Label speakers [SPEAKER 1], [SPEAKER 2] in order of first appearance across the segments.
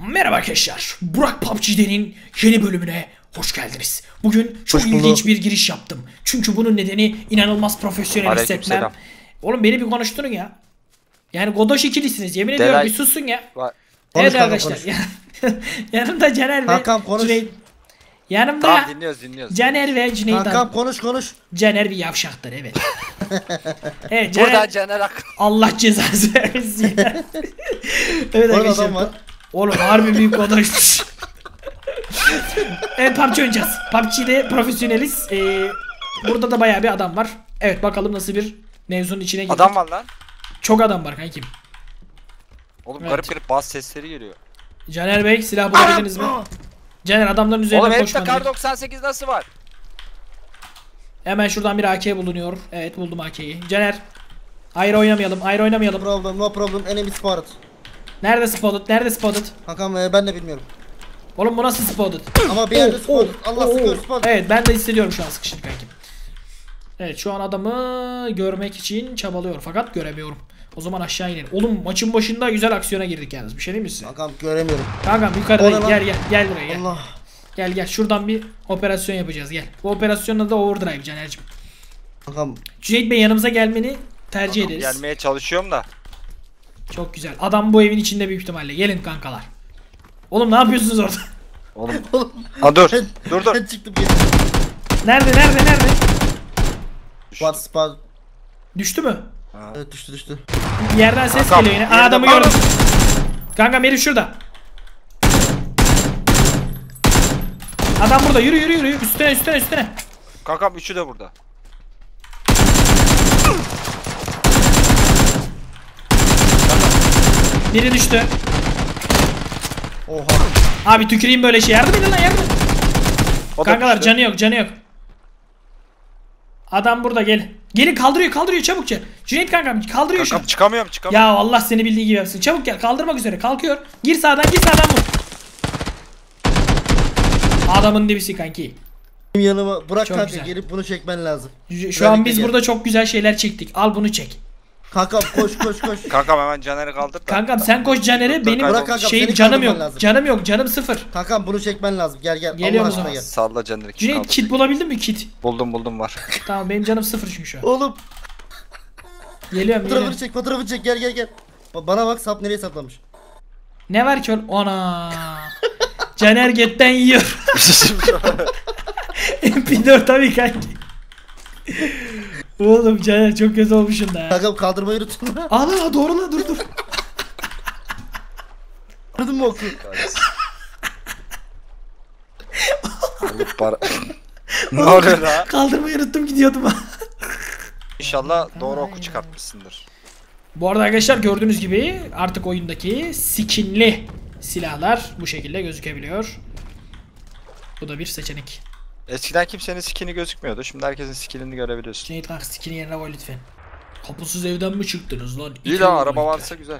[SPEAKER 1] Merhaba arkadaşlar, Burak PUBG'nin yeni bölümüne hoş geldiniz. Bugün çok ilginç bir giriş yaptım. Çünkü bunun nedeni inanılmaz profesyonel hissetmem. Oğlum beni bir konuşturun ya. Yani godoş ikilisiniz, yemin ediyorum bir susun ya. Evet arkadaşlar, yanımda Caner ve Cüneyt. Yanımda
[SPEAKER 2] tamam, dinliyoruz.
[SPEAKER 1] Caner ve Cüneyt.
[SPEAKER 3] Kankam konuş.
[SPEAKER 1] Caner bir yavşaktır, evet. Evet, Caner,
[SPEAKER 2] burada Caner
[SPEAKER 1] Allah cezası versin. Evet arkadaşlar.
[SPEAKER 3] Adam var.
[SPEAKER 1] Oğlum harbi büyük godoşmuş. Evet, PUBG oynayacağız. PUBG'de profesyoneliz. Burada da bayağı bir adam var. Evet, bakalım nasıl bir mevzunun içine girdik.
[SPEAKER 2] adam var lan.
[SPEAKER 1] Çok adam var kankim.
[SPEAKER 2] Oğlum
[SPEAKER 1] Evet.
[SPEAKER 2] garip bas sesleri geliyor.
[SPEAKER 1] Caner Bey, silah bulabildiniz mi? Caner, adamların üzerine
[SPEAKER 2] Oğlum
[SPEAKER 1] koşman
[SPEAKER 2] hepte kar
[SPEAKER 1] değil.
[SPEAKER 2] 98 nasıl var?
[SPEAKER 1] Hemen şuradan bir AK bulunuyor. Evet, buldum AK'yi. Caner, ayrı oynamayalım.
[SPEAKER 3] No problem. Enemy spotted.
[SPEAKER 1] Nerede spotted?
[SPEAKER 3] Kankam ben de bilmiyorum.
[SPEAKER 1] Oğlum bu nasıl spotted?
[SPEAKER 3] Ama bir yerde spotted. Allah sıkıyor spotted.
[SPEAKER 1] Evet, ben de hissediyorum şu an sıkışını kankim. Evet, şu an adamı görmek için çabalıyor fakat göremiyorum. O zaman aşağı inelim. Oğlum maçın başında güzel aksiyona girdik yalnız. Bir şey değil mi size?
[SPEAKER 3] Kankam göremiyorum.
[SPEAKER 1] Kankam yukarıdayım. Gel buraya gel.
[SPEAKER 3] Allah.
[SPEAKER 1] Gel şuradan bir operasyon yapacağız, gel. Bu operasyonun adı Overdrive Caner'cim.
[SPEAKER 3] Kankam.
[SPEAKER 1] Cüneyt Bey, yanımıza gelmeni tercih ederiz.
[SPEAKER 2] Gelmeye çalışıyorum da.
[SPEAKER 1] Çok güzel. Adam bu evin içinde büyük ihtimalle. Gelin kankalar. Oğlum ne yapıyorsunuz orada?
[SPEAKER 2] Oğlum. Ha dur. Dur.
[SPEAKER 3] Ben çıktım geri.
[SPEAKER 1] Nerede?
[SPEAKER 3] Spot.
[SPEAKER 1] Düştü mü?
[SPEAKER 3] Evet düştü.
[SPEAKER 1] Bir yerden ses
[SPEAKER 2] Kankam,
[SPEAKER 1] geliyor yine.
[SPEAKER 2] yerine
[SPEAKER 1] Adamı
[SPEAKER 2] bak.
[SPEAKER 1] gördüm. Kanka herif şurada. Adam burada. Yürü. Üstüne.
[SPEAKER 2] Kankam üçü de burada.
[SPEAKER 1] Biri düştü.
[SPEAKER 3] Oha.
[SPEAKER 1] Abi tüküreyim böyle şey. Yardım edin lan, yardım.
[SPEAKER 2] O da
[SPEAKER 1] Kankalar
[SPEAKER 2] düştü.
[SPEAKER 1] canı yok. Adam burada, gel. Gelin, kaldırıyor çabukça. Cüneyt kankam kaldırıyor şu an.
[SPEAKER 2] Kankam çıkamıyorum.
[SPEAKER 1] Ya Allah seni bildiği gibi yapsın. Çabuk gel, kaldırmak üzere. Kalkıyor. Gir sağdan vur. Adamın dibisi kanki.
[SPEAKER 3] Benim yanıma bırak
[SPEAKER 1] Çok
[SPEAKER 3] kanka,
[SPEAKER 1] güzel.
[SPEAKER 3] gelip bunu çekmen lazım.
[SPEAKER 1] Şu an biz burada çok güzel şeyler çektik. Al bunu çek.
[SPEAKER 3] Kankam koş.
[SPEAKER 2] Kankam hemen Caner'i kaldır da.
[SPEAKER 1] Kankam sen koş Caner'e, benim
[SPEAKER 2] Bırak kankam,
[SPEAKER 1] şeyim
[SPEAKER 3] seni
[SPEAKER 1] canım
[SPEAKER 3] kaldırman
[SPEAKER 1] yok.
[SPEAKER 3] lazım.
[SPEAKER 1] Canım yok. Canım sıfır.
[SPEAKER 3] Kankam bunu çekmen lazım. Gel.
[SPEAKER 1] Geliyorum
[SPEAKER 3] Allah
[SPEAKER 1] o
[SPEAKER 3] aşkına
[SPEAKER 1] zaman.
[SPEAKER 3] gel.
[SPEAKER 2] Salla Caner'i.
[SPEAKER 1] Cüneyt kit bulabildin mi, kit?
[SPEAKER 2] Buldum var.
[SPEAKER 1] Tamam, benim canım sıfır çünkü şu an.
[SPEAKER 3] Oğlum
[SPEAKER 1] Geliyorum.
[SPEAKER 3] fotoğrafını çek gel. Bana bak, sap nereye saplamış.
[SPEAKER 1] Ne var ki oğlum? Ana. Caner götten yiyor. MP4 tabii kanki. Oğlum Caner çok kötü olmuşsun da.
[SPEAKER 3] Kankam kaldırmayı unuttun.
[SPEAKER 1] Ana doğru la, dur.
[SPEAKER 3] Gördün mü oku?
[SPEAKER 2] Ne oluyor la?
[SPEAKER 1] Kaldırmayı unuttum, gidiyordum.
[SPEAKER 2] İnşallah doğru oku çıkartmışsındır.
[SPEAKER 1] Bu arada arkadaşlar, gördüğünüz gibi artık oyundaki skinli silahlar bu şekilde gözükebiliyor. Bu da bir seçenek.
[SPEAKER 2] Eskiden kimsenin skini gözükmüyordu. Şimdi herkesin skinini görebiliyorsun.
[SPEAKER 1] Cüneyt kanka, skin'i yerine koy lütfen. Kapısız evden mi çıktınız lan?
[SPEAKER 2] İyi lan, araba varsa güzel.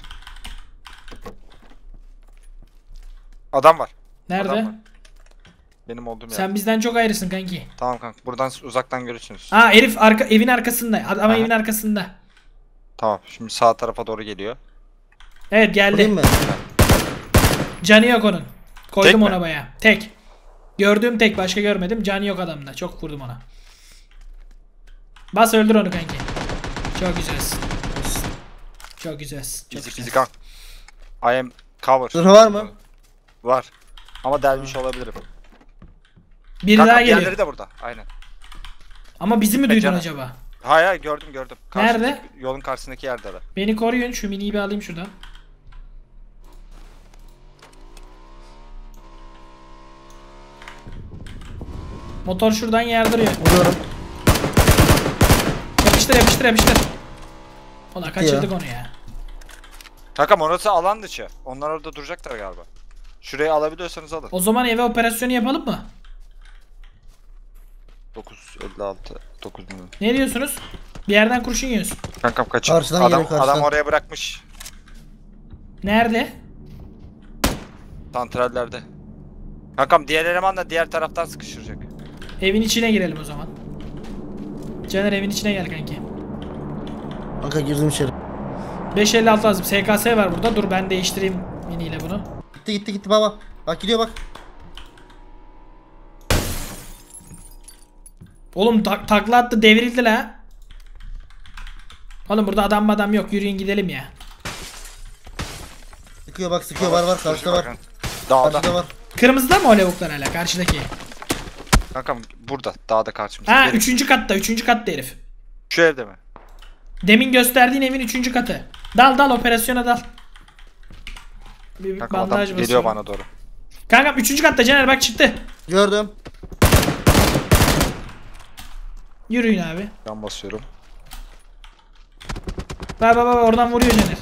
[SPEAKER 2] Adam var.
[SPEAKER 1] Nerede?
[SPEAKER 2] Adam var. Benim olduğum yer.
[SPEAKER 1] Sen bizden çok ayrısın kanki.
[SPEAKER 2] Tamam kanka, buradan uzaktan görürsünüz.
[SPEAKER 1] Herif evin arkasında. Adam
[SPEAKER 2] Aha.
[SPEAKER 1] evin arkasında.
[SPEAKER 2] Tamam, şimdi sağ tarafa doğru geliyor.
[SPEAKER 1] Evet, geldi.
[SPEAKER 3] Vurayım mı?
[SPEAKER 1] Canı yok onun. Koydum
[SPEAKER 2] Tek
[SPEAKER 1] ona
[SPEAKER 2] mi?
[SPEAKER 1] bayağı. Tek. Gördüğüm tek, başka görmedim. Canı yok adamda. Çok vurdum ona. Bas, öldür onu kanki. Çok güzelsin. Çok güzelsin. Çok
[SPEAKER 2] Easy
[SPEAKER 1] güzel.
[SPEAKER 2] peasy kanka. I am cover.
[SPEAKER 3] Zırhı var mı?
[SPEAKER 2] Var. Ama delmiş olabilirim.
[SPEAKER 1] Biri
[SPEAKER 2] Kanka
[SPEAKER 1] daha geliyor.
[SPEAKER 2] diğerleri de burada. Aynen.
[SPEAKER 1] Ama bizi mi duydun
[SPEAKER 2] Canım.
[SPEAKER 1] acaba?
[SPEAKER 2] Hayır, gördüm.
[SPEAKER 1] Nerede?
[SPEAKER 2] Yolun karşısındaki yerde de.
[SPEAKER 1] Beni koruyun. Şu miniyi bir alayım şuradan. Motor şuradan yardırıyor.
[SPEAKER 3] Vuruyorum.
[SPEAKER 1] Yapıştır. Ulan kaçırdık onu ya.
[SPEAKER 2] Kanka orası alan dışı. Onlar orada duracaklar galiba. Şurayı alabiliyorsanız alın.
[SPEAKER 1] O zaman eve operasyonu yapalım mı?
[SPEAKER 2] 956 9 milyon.
[SPEAKER 1] Ne diyorsunuz? Bir yerden kurşun yiyorsun.
[SPEAKER 2] Kankam kaçın.
[SPEAKER 3] Karşıdan
[SPEAKER 2] Adam,
[SPEAKER 3] geliyor, karşıdan.
[SPEAKER 2] adam oraya bırakmış.
[SPEAKER 1] Nerede?
[SPEAKER 2] Santrallerde. Kankam diğer eleman da diğer taraftan sıkıştıracak.
[SPEAKER 1] Evin içine girelim o zaman. Caner, evin içine gel kanki.
[SPEAKER 3] Kanka girdim içeri.
[SPEAKER 1] 556 lazım. SKS var burada. Dur ben değiştireyim miniyle bunu.
[SPEAKER 3] Gitti baba. Bak gidiyor bak.
[SPEAKER 1] Oğlum takla attı, devrildi la. Oğlum burada adam yok, yürüyün gidelim ya.
[SPEAKER 3] Sıkıyor bak sıkıyor var karşıda var.
[SPEAKER 2] Dağda.
[SPEAKER 3] Karşıda var.
[SPEAKER 1] Kırmızıda mı o lavuklar hala karşıdaki?
[SPEAKER 2] Kankam burada dağda karşımızda.
[SPEAKER 1] Ha
[SPEAKER 2] Gelin.
[SPEAKER 1] 3. katta herif.
[SPEAKER 2] Şu evde mi?
[SPEAKER 1] Demin gösterdiğin evin 3. katı. Dal operasyona dal. Bir
[SPEAKER 2] Kankam adam
[SPEAKER 1] bandaj
[SPEAKER 2] geliyor
[SPEAKER 1] basıyorum.
[SPEAKER 2] bana doğru.
[SPEAKER 1] Kankam 3. katta Caner bak çıktı.
[SPEAKER 3] Gördüm.
[SPEAKER 1] Yürüyün abi.
[SPEAKER 2] Ben basıyorum.
[SPEAKER 1] Bak oradan vuruyor Caner.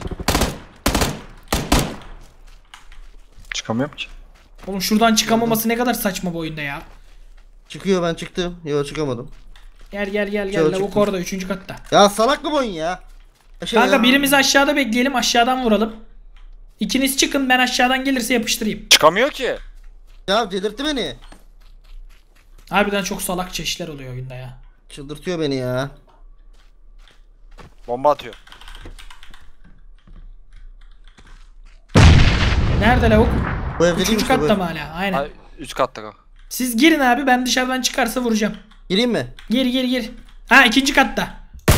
[SPEAKER 2] Çıkamıyorum ki.
[SPEAKER 1] Oğlum şuradan çıkamaması ne kadar saçma bu oyunda ya.
[SPEAKER 3] Çıkıyor ben çıktım. Yok çıkamadım.
[SPEAKER 1] Gel
[SPEAKER 3] Şöyle
[SPEAKER 1] lavuk
[SPEAKER 3] çıktım.
[SPEAKER 1] orada 3. katta.
[SPEAKER 3] Ya salak mı bu oyun ya?
[SPEAKER 1] Kanka
[SPEAKER 3] ya.
[SPEAKER 1] birimiz aşağıda bekleyelim, aşağıdan vuralım. İkiniz çıkın, ben aşağıdan gelirse yapıştırayım.
[SPEAKER 2] Çıkamıyor ki.
[SPEAKER 3] Ya delirtti beni.
[SPEAKER 1] Harbiden çok salak çeşitler oluyor oyunda ya.
[SPEAKER 3] Çıldırtıyor beni ya.
[SPEAKER 2] Bomba atıyor.
[SPEAKER 1] Nerede lavuk?
[SPEAKER 3] Bu evde değil
[SPEAKER 1] 3.
[SPEAKER 3] mi işte bu
[SPEAKER 1] katta
[SPEAKER 3] ev?
[SPEAKER 1] mı hala? Aynen.
[SPEAKER 2] Ay, üst katta kanka.
[SPEAKER 1] Siz girin abi, ben dışarıdan çıkarsa vuracağım.
[SPEAKER 3] Gireyim mi?
[SPEAKER 1] Gir. Ha 2. katta.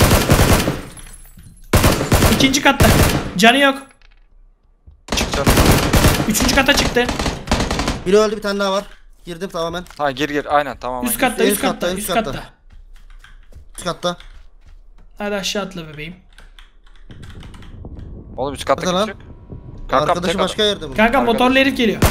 [SPEAKER 1] 2. katta. Canı yok.
[SPEAKER 2] Çık canım.
[SPEAKER 1] 3. kata çıktı.
[SPEAKER 3] Biri öldü bir tane daha var. Girdim tamamen.
[SPEAKER 2] Ha gir aynen tamam.
[SPEAKER 1] Üst katta,
[SPEAKER 3] üst
[SPEAKER 1] üst
[SPEAKER 3] katta,
[SPEAKER 1] katta,
[SPEAKER 3] üst
[SPEAKER 1] üst
[SPEAKER 3] katta.
[SPEAKER 1] katta.
[SPEAKER 3] Üst katta.
[SPEAKER 1] Hadi aşağı atla bebeğim.
[SPEAKER 2] Oğlum üst katta
[SPEAKER 3] Nerede lan?
[SPEAKER 2] kim çık? Kankam
[SPEAKER 3] Arkadaşı
[SPEAKER 2] tek
[SPEAKER 3] başka
[SPEAKER 2] adam.
[SPEAKER 3] yerde bu.
[SPEAKER 1] Kanka
[SPEAKER 2] Arkadaş.
[SPEAKER 1] motorlu herif geliyor.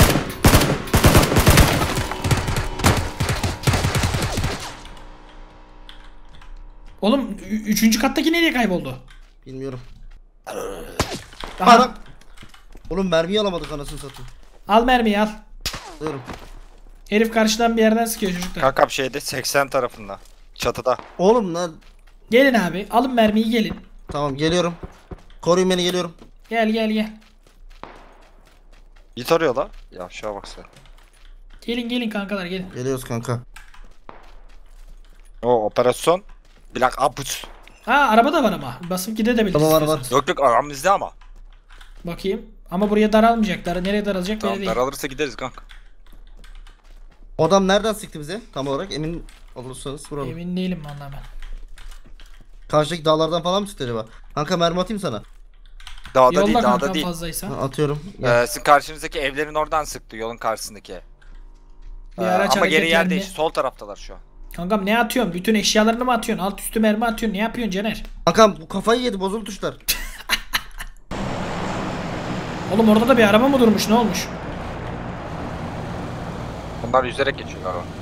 [SPEAKER 1] Oğlum 3. kattaki nereye kayboldu?
[SPEAKER 3] Bilmiyorum.
[SPEAKER 1] Aha,
[SPEAKER 3] Adam. Oğlum mermiyi alamadık anasını satayım.
[SPEAKER 1] al mermiyi al.
[SPEAKER 3] Diyorum.
[SPEAKER 1] Herif karşıdan bir yerden sıkıyor çocuklar.
[SPEAKER 2] Kankam şeyde 80 tarafında. Çatıda.
[SPEAKER 3] Oğlum lan.
[SPEAKER 1] Gelin abi, alın mermiyi gelin.
[SPEAKER 3] Tamam geliyorum. Koruyun beni geliyorum.
[SPEAKER 1] Gel.
[SPEAKER 2] Git arıyor la. Ya şuna bak sen.
[SPEAKER 1] Gelin kankalar gelin.
[SPEAKER 3] Geliyoruz kanka.
[SPEAKER 2] O operasyon. Black Ops.
[SPEAKER 1] Ha araba da var ama. Basıp gidebiliriz.
[SPEAKER 3] Tamam, var.
[SPEAKER 1] istiyorsanız.
[SPEAKER 2] Yok aramızda ama.
[SPEAKER 1] Bakayım. Ama buraya daralmayacaklar. Nereye daralacak
[SPEAKER 2] Tamam
[SPEAKER 1] belli değil.
[SPEAKER 2] daralırsa gideriz kanka.
[SPEAKER 3] O adam nereden sıktı bize? Tam olarak emin olursanız vuralım.
[SPEAKER 1] Emin değilim vallahi ben.
[SPEAKER 3] Karşıdaki dağlardan falan mı sıktı acaba? Kanka mermi atayım sana.
[SPEAKER 2] Dağda değil
[SPEAKER 1] Yolla
[SPEAKER 2] dağda
[SPEAKER 1] kankam
[SPEAKER 2] değil.
[SPEAKER 1] fazlaysa.
[SPEAKER 3] Ha, atıyorum. Gel.
[SPEAKER 2] Sizin karşınızdaki evlerin oradan sıktı yolun karşısındaki.
[SPEAKER 1] Bir araç
[SPEAKER 2] Ama geri yer
[SPEAKER 1] hareketlendi.
[SPEAKER 2] değil. Sol taraftalar şu an.
[SPEAKER 1] Kankam ne atıyorsun? Bütün eşyalarını mı atıyorsun? Alt üstü mermi atıyorsun. Ne yapıyorsun Caner?
[SPEAKER 3] Kankam bu kafayı yedi bozuldu tuşlar.
[SPEAKER 1] Oğlum orada da bir araba mı durmuş? Ne olmuş?
[SPEAKER 2] Onlar yüzerek geçiyorlar o.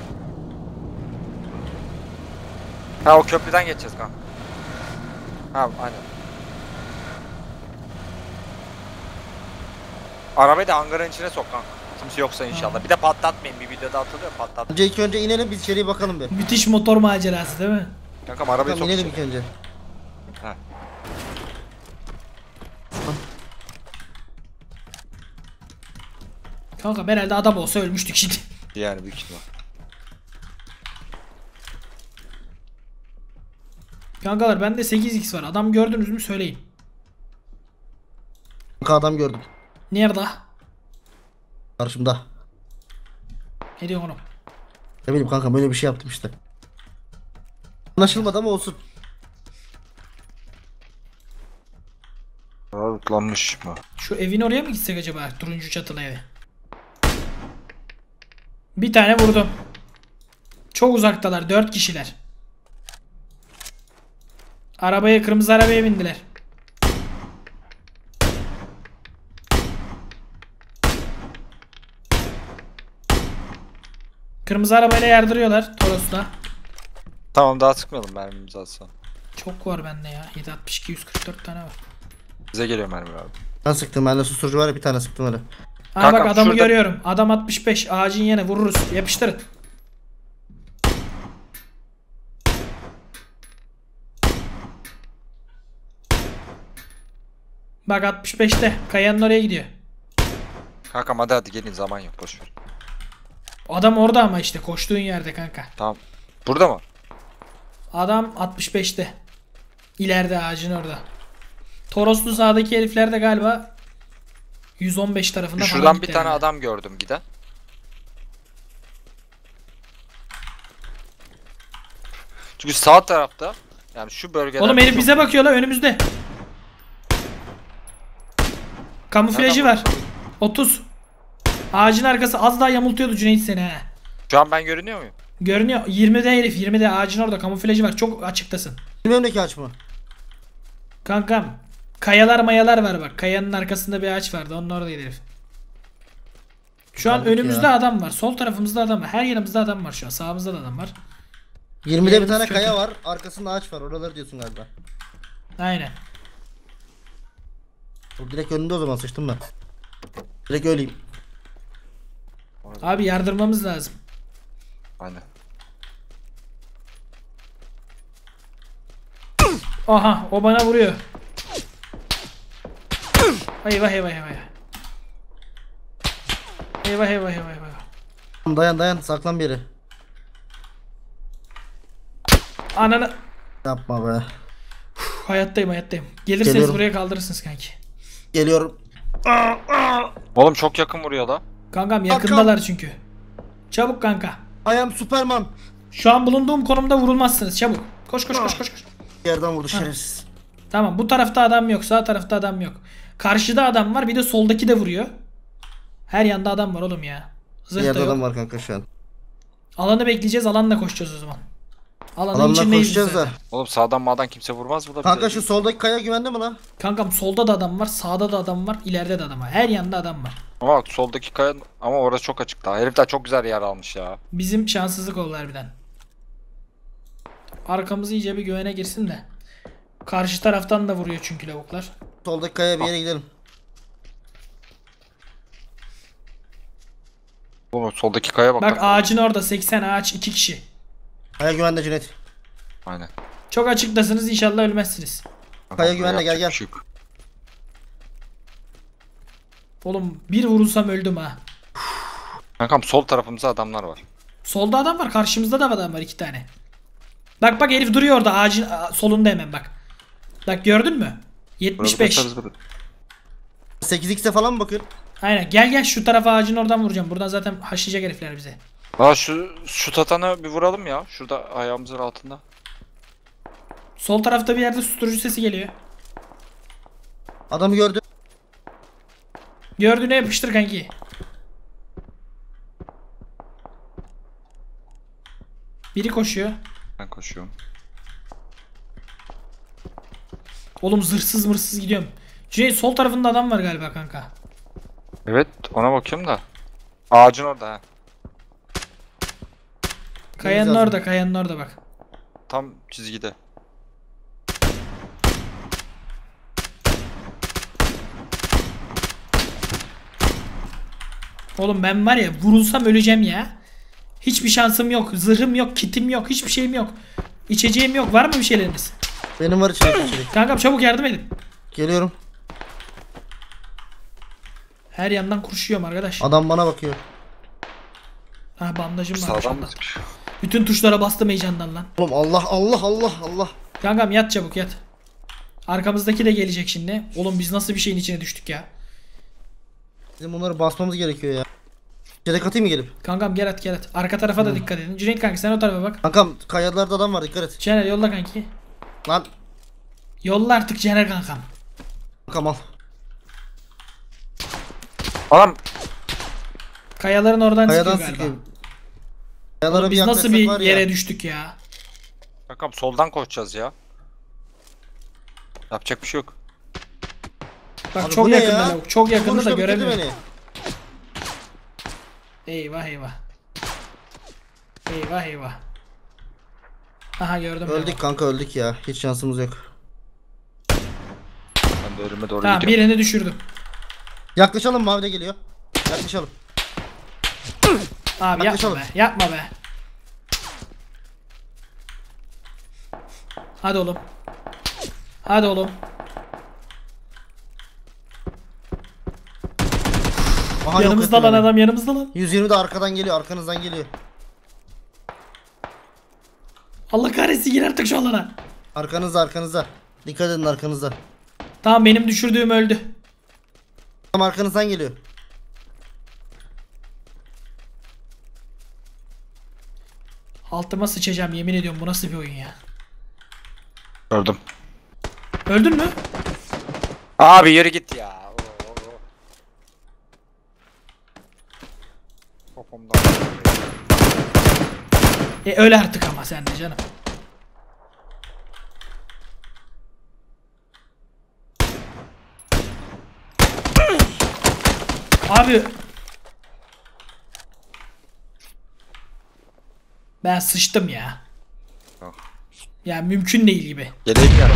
[SPEAKER 2] Ha o köprüden geçeceğiz kanka. Ha aynen. Arabayı da hangarın içine sok kanka. Kimse yoksa inşallah. Bir de patlatmayın. Bir videoda atılıyor patlat.
[SPEAKER 3] Önce ilk önce inelim biz içeriye bakalım bir.
[SPEAKER 1] Müthiş motor macerası değil mi?
[SPEAKER 2] Kankam arabayı
[SPEAKER 3] Tamam
[SPEAKER 2] sok
[SPEAKER 3] inelim
[SPEAKER 2] içeri.
[SPEAKER 3] ilk önce.
[SPEAKER 2] Ha.
[SPEAKER 1] Kanka herhalde adam olsa ölmüştük şimdi.
[SPEAKER 2] Yani büyük ihtimal.
[SPEAKER 1] Kankalar bende 8x var. Adam gördünüz mü söyleyin.
[SPEAKER 3] Kanka adam gördüm.
[SPEAKER 1] Nerede?
[SPEAKER 3] Karşımda.
[SPEAKER 1] Ne diyorsun oğlum?
[SPEAKER 3] Ne bileyim kanka böyle bir şey yaptım işte. Anlaşılmadı ama olsun.
[SPEAKER 2] Rutlanmış mı?
[SPEAKER 1] Şu evin oraya mı gitsek acaba? Turuncu çatılı eve. Bir tane vurdum. Çok uzaktalar. 4 kişiler. Kırmızı arabaya bindiler. Kırmızı arabayla yardırıyorlar Toros'ta.
[SPEAKER 2] Tamam daha sıkmayalım mermimizi atsan.
[SPEAKER 1] Çok var bende ya. 762 144 tane var.
[SPEAKER 2] Bize geliyor mermi abi.
[SPEAKER 3] Ben sıktım bende susturucu var ya bir tane sıktım öyle.
[SPEAKER 1] Aa
[SPEAKER 2] Kankam,
[SPEAKER 1] bak adamı
[SPEAKER 2] şurada-
[SPEAKER 1] görüyorum. Adam 65. Ağacın yanı vururuz. Yapıştırın. Bak 65'te. Kayanın oraya gidiyor.
[SPEAKER 2] Kankam hadi gelin zaman yok boşver.
[SPEAKER 1] Adam orada ama işte koştuğun yerde kanka.
[SPEAKER 2] Tamam. Burada mı?
[SPEAKER 1] Adam 65'te. İleride ağacın orada. Toroslu sağdaki herifler de galiba 115 tarafında falan
[SPEAKER 2] Şuradan bir
[SPEAKER 1] gitti
[SPEAKER 2] tane
[SPEAKER 1] herhalde.
[SPEAKER 2] adam gördüm giden. Çünkü sağ tarafta yani şu bölgede.
[SPEAKER 1] Oğlum herif bize bakıyor la önümüzde. Kamuflajı
[SPEAKER 2] Nereden
[SPEAKER 1] var. 30. Ağacın arkası az daha yamultuyordu Cüneyt seni he.
[SPEAKER 2] Şu an ben görünüyor muyum?
[SPEAKER 1] Görünüyor. 20'de herif 20'de ağacın orada kamuflajı var. Çok açıktasın.
[SPEAKER 3] Benim önümdeki aç mı?
[SPEAKER 1] Kankam. Kayalar mayalar var bak. Kayanın arkasında bir ağaç vardı. Onun oradaydı herif. Şu an
[SPEAKER 3] Kaldık
[SPEAKER 1] önümüzde
[SPEAKER 3] ya.
[SPEAKER 1] adam var. Sol tarafımızda adam var. Her yerimizde adam var şu an. Sağımızda da adam var.
[SPEAKER 3] 20'de bir
[SPEAKER 1] Yerimiz
[SPEAKER 3] tane
[SPEAKER 1] kötü.
[SPEAKER 3] kaya var. Arkasında ağaç var. Oraları diyorsun galiba.
[SPEAKER 1] Aynen.
[SPEAKER 3] O direkt önünde o zaman sıçtım ben. Direkt öleyim.
[SPEAKER 1] Abi yardırmamız lazım.
[SPEAKER 2] Aynen.
[SPEAKER 1] Aha o bana vuruyor. Eyvah eyvah eyvah. Eyvah eyvah eyvah eyvah.
[SPEAKER 3] Dayan saklan bir yere.
[SPEAKER 1] Ananı.
[SPEAKER 3] Yapma be.
[SPEAKER 1] Hayattayım. Gelirseniz
[SPEAKER 3] Geliyorum.
[SPEAKER 1] buraya kaldırırsınız kanki.
[SPEAKER 3] Geliyorum.
[SPEAKER 2] Oğlum çok yakın vuruyor da.
[SPEAKER 1] Kankam yakındalar çünkü. Çabuk kanka.
[SPEAKER 3] I am Superman.
[SPEAKER 1] Şu an bulunduğum konumda vurulmazsınız. Çabuk. Koş.
[SPEAKER 3] Yerden vurdu şerefsiz.
[SPEAKER 1] Tamam bu tarafta adam yok. Sağ tarafta adam yok. Karşıda adam var. Bir de soldaki de vuruyor. Her yanda adam var oğlum ya. Zırh da
[SPEAKER 3] Yerde
[SPEAKER 1] yok.
[SPEAKER 3] adam var kanka şu an.
[SPEAKER 1] Alanı bekleyeceğiz. Alanla koşacağız o zaman. Alanın
[SPEAKER 3] Adamla
[SPEAKER 1] içindeyiz biz
[SPEAKER 3] koşacağız da.
[SPEAKER 1] zaten.
[SPEAKER 2] Oğlum sağdan mağdan kimse vurmaz burada.
[SPEAKER 3] Kanka
[SPEAKER 2] bize.
[SPEAKER 3] şu soldaki kaya güvende mi lan?
[SPEAKER 1] Kankam solda da adam var. Sağda da adam var. İleride de adam var. Her yanda adam var.
[SPEAKER 2] Ama bak soldaki kaya ama orası çok açık daha. Herifler çok güzel yer almış ya.
[SPEAKER 1] Bizim şanssızlık oldu harbiden. Arkamız iyice bir güvene girsin de. Karşı taraftan da vuruyor çünkü lavuklar.
[SPEAKER 3] Soldaki kaya bir yere gidelim.
[SPEAKER 2] Oğlum soldaki kaya bak.
[SPEAKER 1] Bak ağacın orada 80 ağaç 2 kişi.
[SPEAKER 3] Kaya güvende Cüneyt.
[SPEAKER 2] Aynen.
[SPEAKER 1] Çok açıktasınız inşallah ölmezsiniz.
[SPEAKER 3] Kaya güvenle, gel,
[SPEAKER 2] Yapacak
[SPEAKER 3] gel.
[SPEAKER 2] bir şey yok.
[SPEAKER 1] Oğlum bir vurursam öldüm ha.
[SPEAKER 2] Kankam sol tarafımızda adamlar var.
[SPEAKER 1] Solda adam var karşımızda da adam var 2 tane. Bak herif duruyor orada ağacın solunda hemen bak. Bak gördün mü? 75.
[SPEAKER 3] 8x'e falan mı bakıyorsun?
[SPEAKER 1] Aynen gel şu tarafa ağacın oradan vuracağım. Buradan zaten haşlayacak herifler bize.
[SPEAKER 2] Aa şu tatanı bir vuralım ya. Şurada ayağımızın altında.
[SPEAKER 1] Sol tarafta bir yerde susturucu sesi geliyor.
[SPEAKER 3] Adamı gördüm.
[SPEAKER 1] Gördüğüne yapıştır kanki. Biri koşuyor.
[SPEAKER 2] Ben koşuyorum.
[SPEAKER 1] Oğlum zırhsız mırsız gidiyorum. Cüneyt sol tarafında adam var galiba kanka.
[SPEAKER 2] Evet ona bakıyorum da. Ağacın orada ha.
[SPEAKER 1] Kayanın
[SPEAKER 3] lazım.
[SPEAKER 1] orada kayanın orada bak.
[SPEAKER 2] Tam çizgide.
[SPEAKER 1] Oğlum ben var ya vurulsam öleceğim ya. Hiçbir şansım yok. Zırhım yok. Kitim yok. Hiçbir şeyim yok. İçeceğim yok. Var mı bir şeyleriniz?
[SPEAKER 3] Benim var içeri.
[SPEAKER 1] Kankam çabuk yardım edin.
[SPEAKER 3] Geliyorum.
[SPEAKER 1] Her yandan kurşuyorum arkadaş.
[SPEAKER 3] Adam bana bakıyor.
[SPEAKER 1] Ha bandajım var.
[SPEAKER 2] Sağdan
[SPEAKER 1] maşallah.
[SPEAKER 2] mı sıkıyor?
[SPEAKER 1] Bütün tuşlara bastım heyecandan lan.
[SPEAKER 3] Oğlum Allah.
[SPEAKER 1] Kankam yat çabuk yat. Arkamızdaki de gelecek şimdi. Oğlum biz nasıl bir şeyin içine düştük ya.
[SPEAKER 3] Bizim bunları basmamız gerekiyor ya. Yedek atayım mı gelip?
[SPEAKER 1] Kankam gel at. Arka tarafa da dikkat edin. Cüneyt kanka sen o tarafa bak.
[SPEAKER 3] Kankam kayalarda adam var, dikkat et.
[SPEAKER 1] Caner yolla kanki.
[SPEAKER 3] Lan
[SPEAKER 1] Yolla artık Caner kankam.
[SPEAKER 3] kankam al.
[SPEAKER 2] Adam
[SPEAKER 1] Kayaların oradan
[SPEAKER 3] Kayadan
[SPEAKER 1] çıkıyor galiba.
[SPEAKER 3] sıkıyor. Kayalara
[SPEAKER 1] Oğlum biz nasıl
[SPEAKER 3] yaklaşsak
[SPEAKER 1] bir
[SPEAKER 3] var
[SPEAKER 1] yere
[SPEAKER 3] ya.
[SPEAKER 1] düştük ya.
[SPEAKER 2] kankam soldan koşacağız ya. Yapacak bir şey yok.
[SPEAKER 1] Bak
[SPEAKER 3] Abi
[SPEAKER 1] çok
[SPEAKER 3] bu ne
[SPEAKER 1] yakında
[SPEAKER 3] ya?
[SPEAKER 1] lavuk. Çok yakında da
[SPEAKER 3] Vuruşla bitirdi
[SPEAKER 1] göremiyorum.
[SPEAKER 3] beni.
[SPEAKER 1] Eyvah. Eyvah. Aha gördüm.
[SPEAKER 3] Öldük kanka, öldük ya. Hiç şansımız yok.
[SPEAKER 2] Ben de ölüme doğru
[SPEAKER 1] Tamam
[SPEAKER 2] gidiyorum.
[SPEAKER 1] birini düşürdüm.
[SPEAKER 3] Yaklaşalım, mavi de geliyor. Yaklaşalım.
[SPEAKER 1] Abi yapma
[SPEAKER 3] Yaklaşalım.
[SPEAKER 1] be. Yapma be. Hadi oğlum.
[SPEAKER 3] Aha, yok
[SPEAKER 1] Yanımızda
[SPEAKER 3] etti
[SPEAKER 1] lan
[SPEAKER 3] beni.
[SPEAKER 1] adam yanımızda lan.
[SPEAKER 3] 120 de arkadan geliyor, arkanızdan geliyor.
[SPEAKER 1] Allah kahretsin gir artık şu alana.
[SPEAKER 3] Arkanızda. Dikkat edin arkanızda.
[SPEAKER 1] Tamam benim düşürdüğüm öldü.
[SPEAKER 3] Tam arkanızdan geliyor.
[SPEAKER 1] Altıma sıçacağım yemin ediyorum, bu nasıl bir oyun ya.
[SPEAKER 2] Gördüm.
[SPEAKER 1] Öldün mü?
[SPEAKER 2] Abi yürü git ya. Popomdan.
[SPEAKER 1] Öyle artık ama sen de canım. Abi. Ben sıçtım ya.
[SPEAKER 2] Yok.
[SPEAKER 1] Ya mümkün değil gibi.
[SPEAKER 2] Geleyim ya.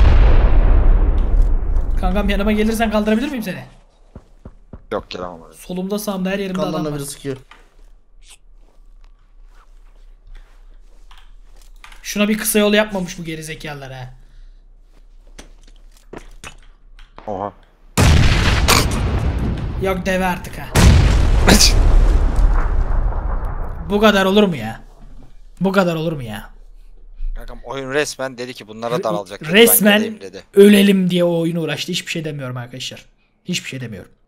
[SPEAKER 1] Kankam yanıma gelirsen kaldırabilir miyim seni?
[SPEAKER 2] Yok gelemem oraya.
[SPEAKER 1] Solumda sağımda her yerimde adam
[SPEAKER 3] Kandan da
[SPEAKER 1] var.
[SPEAKER 3] biri sıkıyor.
[SPEAKER 1] Şuna bir kısa yol yapmamış bu gerizekalılar ha.
[SPEAKER 2] Oha.
[SPEAKER 1] Yok deve artık ha. Bu kadar olur mu ya? Bu kadar olur mu ya?
[SPEAKER 2] Kankam oyun resmen dedi ki bunlara daralacak. Dedi, ben
[SPEAKER 1] Resmen
[SPEAKER 2] geleyim dedi.
[SPEAKER 1] ölelim diye o oyunu uğraştı. Hiçbir şey demiyorum arkadaşlar. Hiçbir şey demiyorum.